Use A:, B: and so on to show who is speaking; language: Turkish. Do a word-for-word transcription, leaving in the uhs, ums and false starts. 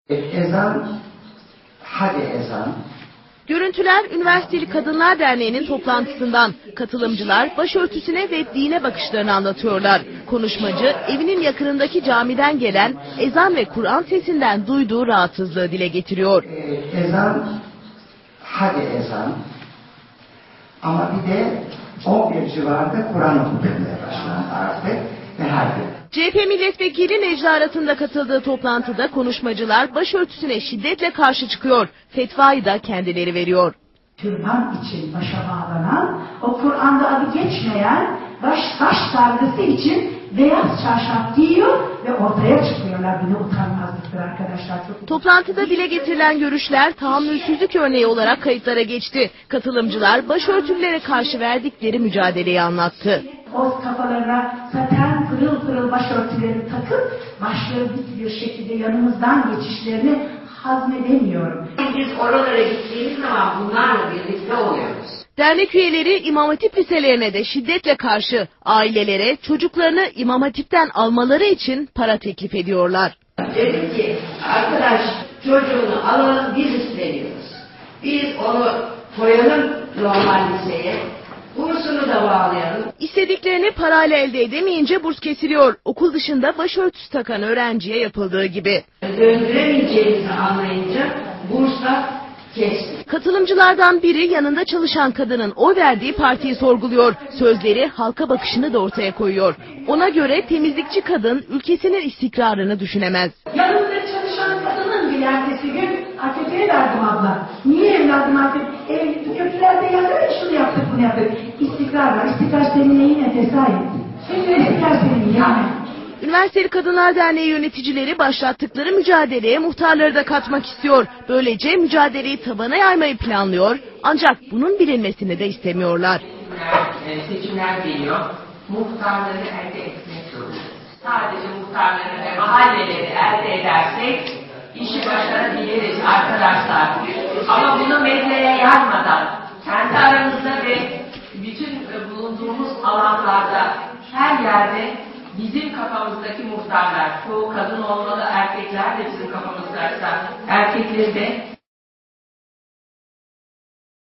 A: Ezan, hadi ezan.
B: Görüntüler Üniversiteli Kadınlar Derneği'nin toplantısından. Katılımcılar başörtüsüne ve dine bakışlarını anlatıyorlar. Konuşmacı evinin yakınındaki camiden gelen ezan ve Kur'an sesinden duyduğu rahatsızlığı dile getiriyor.
A: Ee, ezan, hadi ezan. Ama bir de on bir civarında Kur'an okutmaya başlandı artık ve her gün.
B: C H P Milletvekili Necla Arat'ın da katıldığı toplantıda konuşmacılar başörtüsüne şiddetle karşı çıkıyor. Fetvayı da kendileri veriyor.
C: Türban için başa bağlanan, o Kur'an'da adı geçmeyen baş, baş sargısı için beyaz çarşaf giyiyor ve ortaya çıkıyorlar. Bu ne utanmazlıktır arkadaşlar. Çok...
B: Toplantıda dile getirilen görüşler tahammülsüzlük örneği olarak kayıtlara geçti. Katılımcılar başörtülülere karşı verdikleri mücadeleyi anlattı.
C: O kafalarına saten pırıl pırıl başörtüleri takıp başları dik bir şekilde yanımızdan geçişlerini hazmedemiyorum.
D: Biz oralara gittiğimiz zaman bunlarla birlikte oluyoruz.
B: Dernek üyeleri İmam Hatip liselerine de şiddetle karşı, ailelere çocuklarını İmam Hatip'ten almaları için para teklif ediyorlar.
D: Dedim ki arkadaş çocuğunu alalım, biz isteniyoruz. Biz onu koyalım normal liseye. Bursunu da bağlayalım.
B: İstediklerini parayla elde edemeyince burs kesiliyor. Okul dışında başörtüsü takan öğrenciye yapıldığı gibi.
D: Döndüremeyeceğimizi anlayınca bursla kesti.
B: Katılımcılardan biri yanında çalışan kadının oy verdiği partiyi sorguluyor. Sözleri halka bakışını da ortaya koyuyor. Ona göre temizlikçi kadın ülkesinin istikrarını düşünemez.
C: Yanımda çalışan kadının bir ertesi gün A K P'ye verdim abla. Niye evladım A K P? E, köprülerde yazar ya şunu yaptık bunu yaptık. İstikrar var. İstikrar senin neyine tesadüf? Şimdi istikrar senin yani.
B: Üniversiteli Kadınlar Derneği yöneticileri başlattıkları mücadeleye muhtarları da katmak istiyor. Böylece mücadeleyi tabana yaymayı planlıyor. Ancak bunun bilinmesini de istemiyorlar.
E: Seçimler geliyor. Muhtarları elde etmek zorundayız. Sadece muhtarları ve mahalleleri elde edersek işi başarabiliriz arkadaşlar. Ama bunu medyaya yaymadan kendi aramızda ve bütün bulunduğumuz alanlarda her yerde bizim kafamızdaki muhtarlar, çoğu kadın olmalı, erkekler de bizim kafamızdaysa erkekleri de